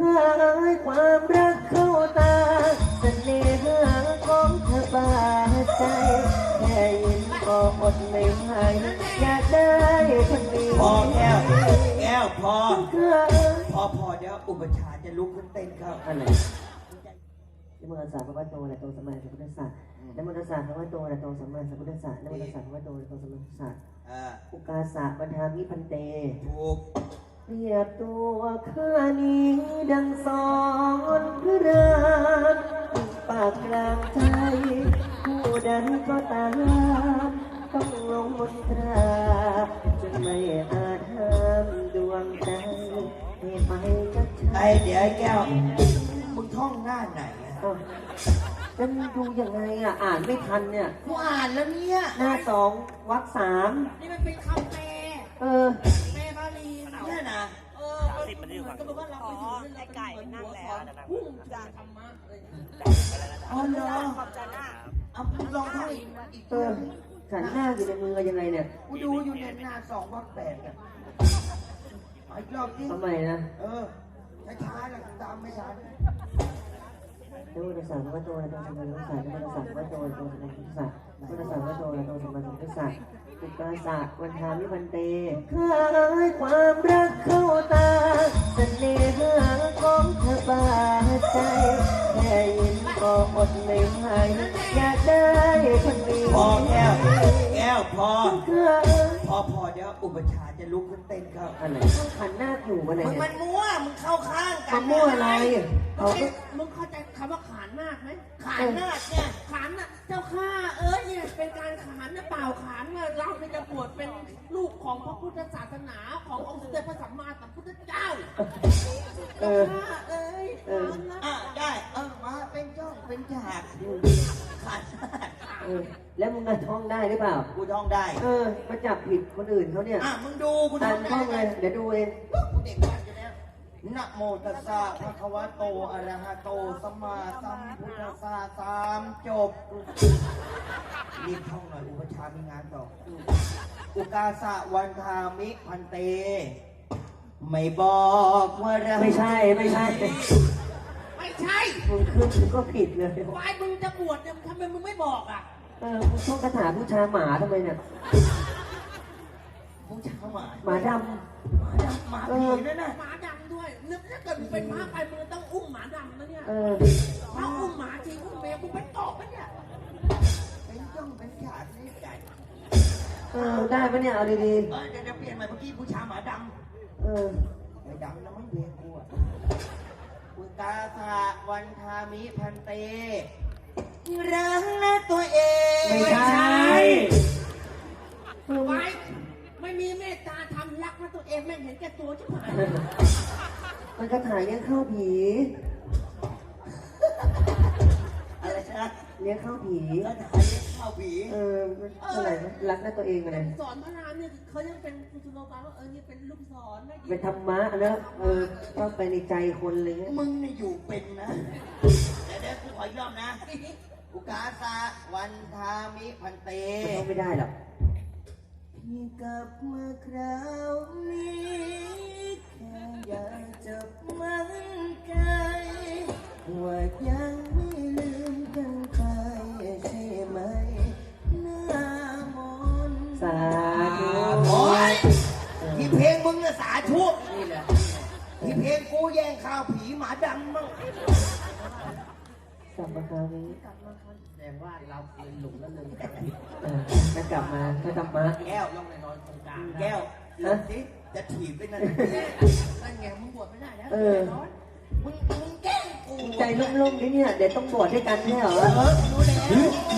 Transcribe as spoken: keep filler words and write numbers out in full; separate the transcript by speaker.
Speaker 1: ยความรักเข้าตาเสน่หาของเธอบาดใจแค่ยินก็อดไม่ไหวอยากได้คนนี้
Speaker 2: พอแก้วแก้วพอพอพอเดี๋ยวอุปชาจะลุกขึ้นเต้นครับ
Speaker 1: อะไรนโมตัสสะพระพุทธโตอะระหะโตสัมมาสัมพุทธัสสะนโมตัสสะพระพุทธโตอะระหะโตสัมมาสัมพุทธัสสะนโมตัสสะพระพุทธโตอะระหะโตสัมมาสัมพุทธัสสะอุกาสะปัญหามิพันเต
Speaker 2: ถูก
Speaker 1: เปรียบตัวข้านี้ดังสอนพระรามปากกลางใจผู้ใดก็ตามต้องลงมนตราจนไม่อาจห้ามดวงใจให้ไปกับฉัน
Speaker 2: ไอเดี๋ยวไอ้แก้วมึงท่องหน้าไหนอ่ะ
Speaker 1: จะดูยังไงอ่ะอ่านไม่ทันเนี่ย
Speaker 2: กูอ่านแล้วเนี่ย
Speaker 1: หน้าสองวรรคสาม
Speaker 3: นี่มันเป็นคำแปล
Speaker 1: เออ
Speaker 3: แปลบาลี
Speaker 2: เนี่ยนะ
Speaker 3: เออมันก็บอกว่าเราไปอยู่นั่นไก่นั่งแล้วพุ่งจากธรรมะเลย
Speaker 2: อ๋อเหรอเอาพูดลองท่องอีก
Speaker 1: เออขันหน้าอยู่ในมือยังไงเนี่ย
Speaker 2: กูดูอยู่ในหน้าสองวรรคแปดอ่ะอีกรอบที่
Speaker 1: ทำไมนะ
Speaker 2: เออช้าๆแล้วตามไม่ทัน
Speaker 1: นโมตัสสะพระพุทธโตอะระหะโตสัมมาสัมพุทธัสสะนโมตัสสะพระพุทธโตอะระหะโตสัมมาสัมพุทธัสสะนโมตัสสะพระพุทธโตอะระหะโตสัมมาสัมพุทธัสสะอุกาสะวันทามิพันเตคล้ายความรักเข้าตาเสน่หาของเธอบาดใจแค่ยินก็อดไม่ไหวอยากได้คนนี้
Speaker 2: พอแก้วแก้วพอพอพอเดี๋ยวอุปชาจะลุกขึ้นเต้นครับ
Speaker 1: อะไรขันหน้าอยู่มาไหน
Speaker 2: มึงมันมั่วมึงเข้าข้างกัน
Speaker 1: มันมั่วอะไร
Speaker 3: เขามึงเข้าใจคำว่าขานนาคไหม
Speaker 2: ขานนาคเนี่ย
Speaker 3: ขานน่ะเจ้าข้าเอ้ยเนี่ยเป็นการขานนะเปล่าขานนะเราจะบวชเป็นลูกของพระพุทธศาสนาขององค์สมเด็จพระสัมมาสัมพุทธเจ้าเจ้าข้าเอ้ย
Speaker 2: อ่ะได้เออมาเป็นจ้องเป็นฉากขาน
Speaker 1: เออแล้วมึงจะท่องได้หรือเปล่า
Speaker 2: กูท่องได้
Speaker 1: เออมาจับผิดคนอื่นเขาเนี่ย
Speaker 2: อ่ะมึงดูกู
Speaker 1: ท่องได้เลยเดี๋ยวดูเอง
Speaker 2: กูเด็กมากอยู่แล้วนะโมตัสสะภะคะวะโตอะระหะโตสัมมาสัมพุทธัสสะสามจบรีบท่องหน่อยอุปชามีงานต่ออุกาสะวันทามิพันเตไม่บอกว่าเรา
Speaker 1: ไม่ใช่ไม่ใช่
Speaker 3: ไม่ใช่
Speaker 1: มึงขึ้นมึงก็ผิดเลยว
Speaker 3: ายมึงจะบวชเนี่ยทำไมมึงไม่บอกอ่ะ
Speaker 1: เออมึงท่องคาถาบูชาหมาทำไมเนี่ย
Speaker 2: บูชาหมา
Speaker 1: หมาดำ
Speaker 2: หมาดำหมาผีนั่นน่ะ
Speaker 3: หมาดำด้วยนึกถ้าเกิดมึงเป็นพระไปมึงต้องอุ้มหมาดำนะเนี่ย
Speaker 1: เออ
Speaker 3: ถ้าอุ้มหมาจริงอุ้มแมวมึงเป็นตอบปะเนี่ย
Speaker 2: เป็นจ้องเป็นฉากนี่ใจ
Speaker 1: เออได้ปะเนี่ยเอาดีๆ
Speaker 2: เออเดี๋ยวเปลี่ยนใหม่เมื่อกี้บูชาหมาดำ
Speaker 1: เออ
Speaker 2: ไม่ดำนะมันเวียนกูอ่ะอุตาสะวันทามิพันเตรักนะตัวเอง
Speaker 1: ไม่ใช่
Speaker 3: ไม่ไม่มีเมตตาทำรักนะตัวเองแม่งเห็นแก่ตัวชิบหาย
Speaker 1: มันกระถ่ายเลี้ยงข้าวผี
Speaker 2: อะไรนะ
Speaker 1: เลี้ยงข้าวผี
Speaker 2: กระถ่ายเลี้ยงข้าวผี
Speaker 1: เอออะไรนะรักนะตัวเองอะไร
Speaker 3: สอนพระรามเนี่ยเขายังเป็นคุณสุโลกาว่าเออนี่เป็นลูกศร
Speaker 1: เป็นธรรมะแล้วเออต้องไปในใจคนเลย
Speaker 2: มึงเนี่ยอยู่เป็นนะเดี๋ยวเดี๋ยวกูขออีกรอบนะอุกาสะวันทามิพันเต
Speaker 1: มันไม่ได้หรอก
Speaker 2: พี่กลับมาคราวนี้แค่อยากจะมั่นใจว่ายังไม่ลืมกันไปใช่ไหมหน้ามน
Speaker 1: สาธุ
Speaker 2: โอ้ยที่เพลงมึงน่ะสาธุนี่แหละที่เพลงกูแย่งข้าวผีหมาดำมั้ง
Speaker 1: กลับมาคราวนี้
Speaker 3: กลับมาคราวแสดงว่าเราเป็นหลุมแล้วเลย
Speaker 1: เออจะกลับมาถ้ากลับมา
Speaker 2: แก้วลองไปนอนตรงกลางแก้วนะสิจะถีบไปนั่น
Speaker 3: นั่นไงมึงบวชไม่ได้แล้ว
Speaker 1: เออ
Speaker 2: มึงมึงแกล้งกู
Speaker 1: ใจลุ่มๆนี่เนี่ยเดี๋ยวต้องบวชด้วยกันใช่เหรอ
Speaker 2: เออรู้แล้ว